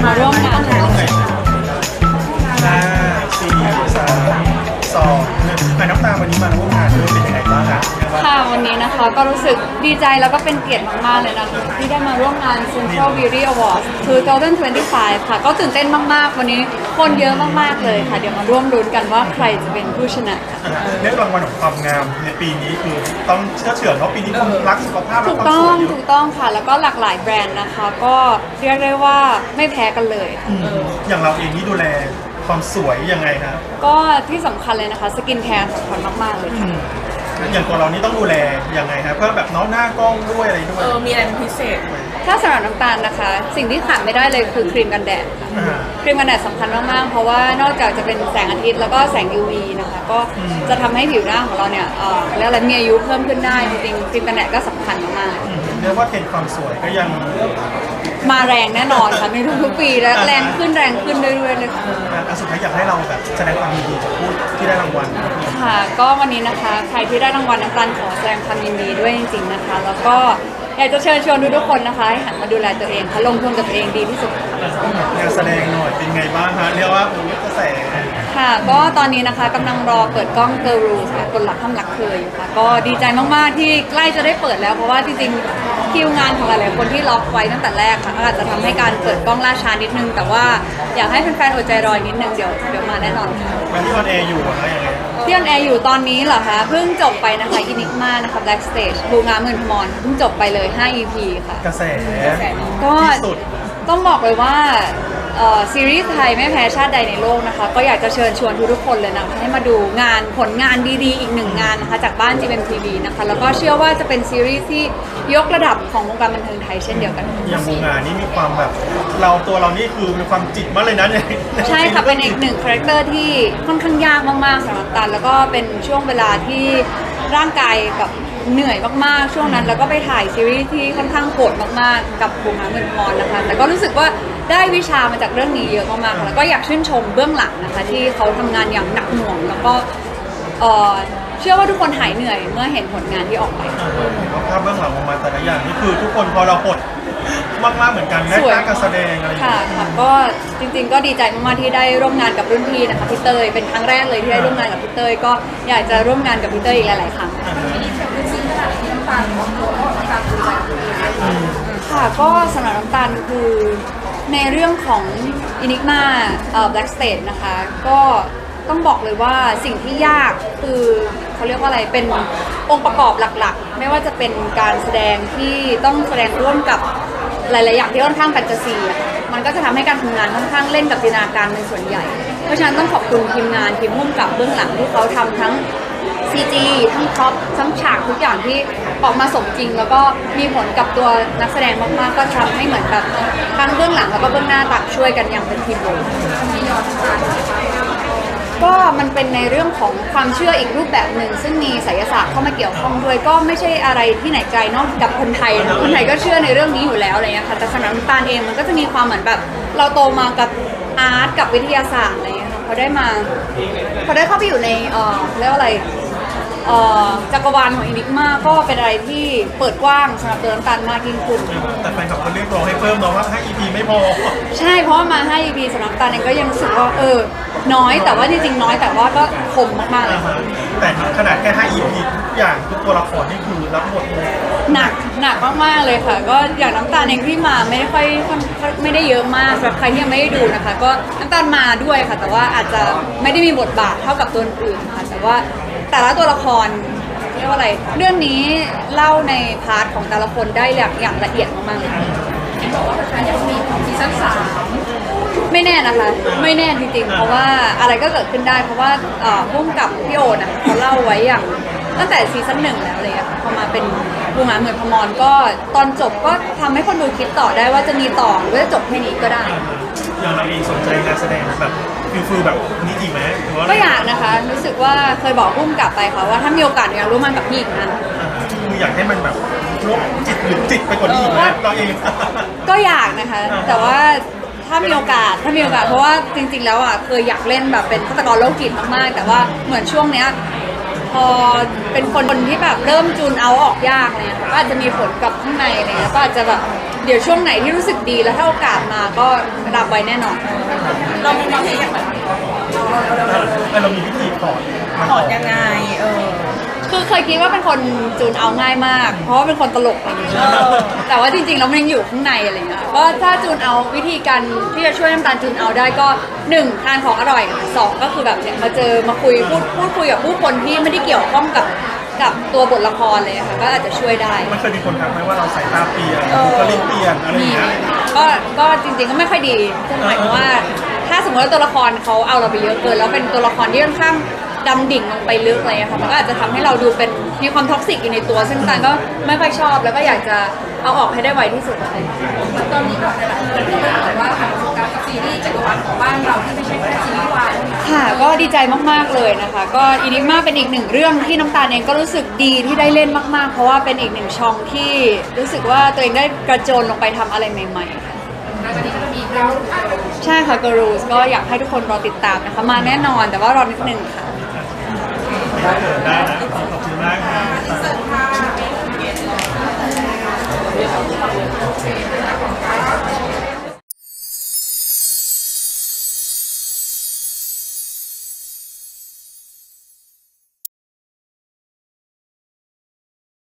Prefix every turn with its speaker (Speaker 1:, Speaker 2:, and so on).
Speaker 1: มาร่วมงาน
Speaker 2: ห้าสี่สามสองหนึ่งน้ำตาลวันนี้มาร่วมงานด้วยเป็นยังไงบ้างคะ
Speaker 1: ค่ะวันนี้นะคะก็รู้สึกดีใจแล้วก็เป็นเกียรติมากๆเลยนะคะที่ได้มาร่วมงาน Central Beauty Awards 2025 ค่ะก็ตื่นเต้นมากๆวันนี้คนเยอะมากๆเลยค่ะเดี๋ยวมาร่วมลุ้นกันว่าใครจะเป็นผู้ชนะค่ะ
Speaker 2: เรื่องรางวัลของความงามในปีนี้คือต้องเชื่อเฉื่อยเพราะปีนี้คนรักสุขภาพ
Speaker 1: ถูกต้องค่ะแล้วก็หลากหลายแบรนด์นะคะก็เรียกได้ว่าไม่แพ้กันเลยค่ะ
Speaker 2: อย่างเราเองนี่ดูแลความสวยยังไงครับ
Speaker 1: ก็ที่สำคัญเลยนะคะสกินแคร์สำคัญมากๆเลยค่ะ
Speaker 2: อย่างตัวเรานี่ต้องดูแลยังไงครับเพื่อแบบน้องหน้ากล้องด้วยอะไรด้วย
Speaker 3: มีอะไรเป็นพิเศษ
Speaker 1: ถ้าสำหรับน้ำตาลนะคะ สิ่งที่ขาดไม่ได้เลยคือครีมกันแดดค่ะ ครีมกันแดดสำคัญมากๆ เพราะว่านอกจากจะเป็นแสงอาทิตย์แล้วก็แสง UV นะคะก็จะทำให้ผิวหน้าของเราเนี่ยแล้วอะไรมีอายุเพิ่มขึ้นได้จริงๆครีมกันแดดก็สำคัญมาก
Speaker 2: เรียกว่าเทรนด์ความสวยก็ยัง
Speaker 1: ๆมาแรงแน่นอนค่ะในทุกๆปีและแรงขึ้นเรื่อยๆเลยค่ะ
Speaker 2: สุดท้ายอยากให้เราแบบแสดงความยินดีกับผู้ที่ได้รางวัล
Speaker 1: ค่ะก็วันนี้นะคะใครที่ได้รางวัลน้ำตาลขอแสดงความยินดีด้วยจริงๆนะคะ แล้วก็อยากจะเชิญชวนทุกๆคนนะคะให้หันมาดูแลตัวเองค่ะลงทุนกับตัวเองดีที่สุด
Speaker 2: งานแสดงหน่อยเป็นไงบ้างฮะเรียกว่าโอ้ยกระแส
Speaker 1: ค่ะก็ตอนนี้นะคะกำลังรอเปิดกล้อง Girl Rules ค่ะคนหลักห้ามรักเคยอยู่ค่ะก็ดีใจมากๆที่ใกล้จะได้เปิดแล้วเพราะว่าจริงๆคิวงานของหลายๆคนที่ล็อกไว้ตั้งแต่แรกค่ะอาจจะทำให้การเปิดกล้องล่าช้านิดนึงแต่ว่าอยากให้แฟนๆอดใจรออีกนิดนึงเดี๋ยวมาแน่นอนค่ะ
Speaker 2: วันที่ออนแอร์อยู่อะคะยังไง
Speaker 1: ที่ออนแอร์อยู่ตอนนี้เหรอคะเพิ่งจบไปนะคะอินิกมานะคะ Black Stage บูงาหมื่นพมรเพิ่งจบไปเลย5 EP ค่ะ
Speaker 2: กระแส
Speaker 1: ก็
Speaker 2: ที่สุด
Speaker 1: ต้องบอกเลยว่าซีรีส์ไทยไม่แพ้ชาติใดในโลกนะคะก็อยากจะเชิญชวนทุกๆคนเลยนะคะให้มาดูงานผลงานดีๆอีกหนึ่งงานนะคะจากบ้าน GMMTV นะคะแล้วก็เชื่อว่าจะเป็นซีรีส์ที่ยกระดับของวงการบันเทิงไทยเช่นเดียวกัน
Speaker 2: อย่างบูงานนี่มีความแบบตัวเรานี่คือมีความจิตมากเลยนะเนี่ย
Speaker 1: ใช่ค่ะเป็นอีกหนึ่งคาแรคเตอร์ที่ค่อนข้างยากมากๆสำหรับตันแล้วก็เป็นช่วงเวลาที่ร่างกายแบบเหนื่อยมากๆช่วงนั้นแล้วก็ไปถ่ายซีรีส์ที่ค่อนข้างโหดมากๆกับบูงาหมื่นพมรนะคะแต่ก็รู้สึกว่าได้วิชามาจากเรื่องนี้เยอะมากๆค่ะแล้วก็อยากชื่นชมเบื้องหลังนะคะที่เขาทำงานอย่างหนักหน่วงแล้วก็เชื่อว่าทุกคนหายเหนื่อยเมื่อเห็นผลงานที่ออกไป
Speaker 2: ภาพเบื้องหลังออกมาแต่ละอย่างนี่คือทุกคนพอเราหดมากๆเหมือนกันแม้
Speaker 1: สวย
Speaker 2: การแสดงอะไรอย่าง
Speaker 1: ค่ะ
Speaker 2: เงี้ย
Speaker 1: ค่ะก็จริงๆก็ดีใจมากๆที่ได้ร่วมงานกับรุ่นพี่นะคะพี่เตยเป็นครั้งแรกเลยที่ได้ร่วมงานกับพี่เตยก็อยากจะร่วมงานกับพี่เตยอีกหลายๆครั้งค่ะก็สำหรับน้ำตาลคือในเรื่องของ Enigma Black Stage นะคะก็ต้องบอกเลยว่าสิ่งที่ยากคือเขาเรียกว่าอะไรเป็นองค์ประกอบหลักๆ ไม่ว่าจะเป็นการแสดงที่ต้องแสดงร่วมกับหลายๆอย่างที่ค่อนข้างแฟนตาซีอะค่ะมันก็จะทำให้การทำงานค่อนข้างเล่นกับจินตนาการเป็นส่วนใหญ่ เพราะฉะนั้นต้องขอบคุณทีมงานทีมพุ่มกับเบื้องหลังที่เขาทำทั้ง CG ทั้งท็อปทั้งฉากทุกอย่างที่ออกมาสมจริง แล้วก็มีผลกับตัวนักแสดงมากๆก็ทำให้เหมือนแบบทั้งเบื้องหลังแล้วก็เบื้องหน้าต่างช่วยกันอย่างเป็นทีมเวิร์คก็มันเป็นในเรื่องของความเชื่ออีกรูปแบบหนึ่งซึ่งมีไสยศาสตร์เข้ามาเกี่ยวข้องด้วยก็ไม่ใช่อะไรที่ไหนไกลนอกจากคนไทยนะคนไทยก็เชื่อในเรื่องนี้อยู่แล้วอะไรเงี้ยค่ะแต่สำหรับน้ำตาลเองมันก็จะมีความเหมือนแบบเราโตมากับอาร์ตกับวิทยาศาสตร์อะไรเงี้ยค่ะพอได้เข้าไปอยู่ในเรียกว่าอะไรจักรวาลของอินิกมาก็เป็นอะไรที่เปิดกว้างสำหรับตัวน้ำตาลมากยิ่งขึ้น
Speaker 2: แต่แฟนคลับเขาเรียกร้องให้เพิ่มเนาะว่าให้ EP ไม่พอ
Speaker 1: ใช่เพราะว่ามาให้ EP สำหรับน้ำตาลเองก็ยังรู้สึกว่าน้อยแต่ว่าจริงๆน้อยแต่ว่าก็คมมากๆเลยค่ะ
Speaker 2: แต่ขนาดแค่ 5 EP ทุกอย่างทุกตัวละครนี่คือรับบทเลย
Speaker 1: หนักมากๆเลยค่ะ ก็อย่างน้ำตาลเองที่มาไม่ได้เยอะมากสำหรับใครที่ยังไม่ได้ดูนะคะ ก็น้ำตาลมาด้วยค่ะ แต่ว่าอาจจะไม่ได้มีบทบาทเท่ากับตัวอื่นค่ะแต่ว่าแต่ละตัวละครเรียกว่าอะไรเรื่องนี้เล่าในพาร์ทของแต่ละคนได้อย่างละเอียดมากๆเลยค่ะไม่แน่นะคะ ไม่แน่จริงๆเพราะว่าอะไรก็เกิดขึ้นได้เพราะว่าพุ่มกับพี่โอนะเขาเล่าไว้อย่างตั้งแต่ซีซั่น 1แล้วเลยอะค่ะพอมาเป็นบูงาหมื่นพมรก็ตอนจบก็ทำให้คนดูคิดต่อได้ว่าจะมีต่อหรือว่าจะจบแค่นี้ก็ได้
Speaker 2: อย่างเราเองสนใจงานแสดงแบบฟิลแบบนี้จริงไหมหรือว่า
Speaker 1: ก็อยากนะคะรู้สึกว่าเคยบอกพุ่มกลับไปค่ะว่าถ้ามีโอกาสอยากร่วมงานกับพี่อีกนะ
Speaker 2: คืออยากให้มันแบบลบจิตหรือจิตไปกว่านี้อีกไหมเราเอง
Speaker 1: ก็อยากนะคะ แต่ว่าถ้ามีโอกาสเพราะว่าจริงๆแล้วอ่ะเคยอยากเล่นแบบเป็นฆาตกรโรคจิตมากๆแต่ว่าเหมือนช่วงเนี้ยพอเป็นคนที่แบบเริ่มจูนเอาออกยากอะไรเงี้ยก็อาจจะมีผลกับข้างในอะไรเงี้ยก็อาจจะแบบเดี๋ยวช่วงไหนที่รู้สึกดีแล้วถ้าโอกาสมาก็รับไว้แน่นอน
Speaker 3: เรามีความคิดอย่างแบบ
Speaker 2: เรามีวิธีถอดมัน
Speaker 3: ถอดยังไง
Speaker 1: คือเคยคิดว่าเป็นคนจูนเอาง่ายมาก เพราะว่าเป็นคนตลกอะไรอย่างเงี้ยแต่ว่าจริงๆแล้วมันยังอยู่ข้างในอะไรเงี้ยก็ถ้าจูนเอาวิธีการที่จะช่วยน้ำตาลจูนเอาได้ก็1ทานของอร่อย2ก็คือแบบเนี่ยมาเจอมาคุยพูดคุยกับผู้คนที่ไม่ได้เกี่ยวข้องกับตัวบทละครเลยค่ะก็อาจจะช่วยได้
Speaker 2: มันเคยมีคนทักไหมว่าเราสายตาเปลี่ยนบุคลิกเปลี่ยนอะไรอย่างเงี้ย
Speaker 1: ก็จริงๆก็ไม่ค่อยดีซึ่งหมายความว่าถ้าสมมติว่าตัวละครเขาเอาเราไปเยอะเกินแล้วเป็นตัวละครที่ค่อนข้างดำดิ่งลงไปลึกอะไรอย่างเงี้ยค่ะมันก็อาจจะทำให้เราดูเป็นมีความท็อกซิกอยู่ในตัวซึ่งตานก็ไม่ค่อยชอบแล้วก็อยากจะเอาออกให้ได้ไวที่สุดอะไรอย่างเงี้ย
Speaker 4: ตอนนี้แบบหลายๆคนก็บอกว่าผ่านประสบการณ์กับซีรีส์จักรวาลของบ้านเราที่ไม่ใช่แค่ซีรีส์วาย
Speaker 1: ค่ะก็ดีใจมากๆเลยนะคะก็อินิกมาเป็นอีกหนึ่งเรื่องที่น้ำตาลเองก็รู้สึกดีที่ได้เล่นมากๆเพราะว่าเป็นอีกหนึ่งช่องที่รู้สึกว่าตัวเองได้กระโจนลงไปทำอะไรใหม่ๆค่ะ
Speaker 4: แล้วตอนนี้ก็จะมีเรา
Speaker 1: ใช่ค่ะ Girls ก็อยากให้ทุกคนรอติดตามนะคะมาแน่นอนแต่ว่ารอนิดนึงค่ะ
Speaker 2: ได้นะขอบคุณมากค่ะ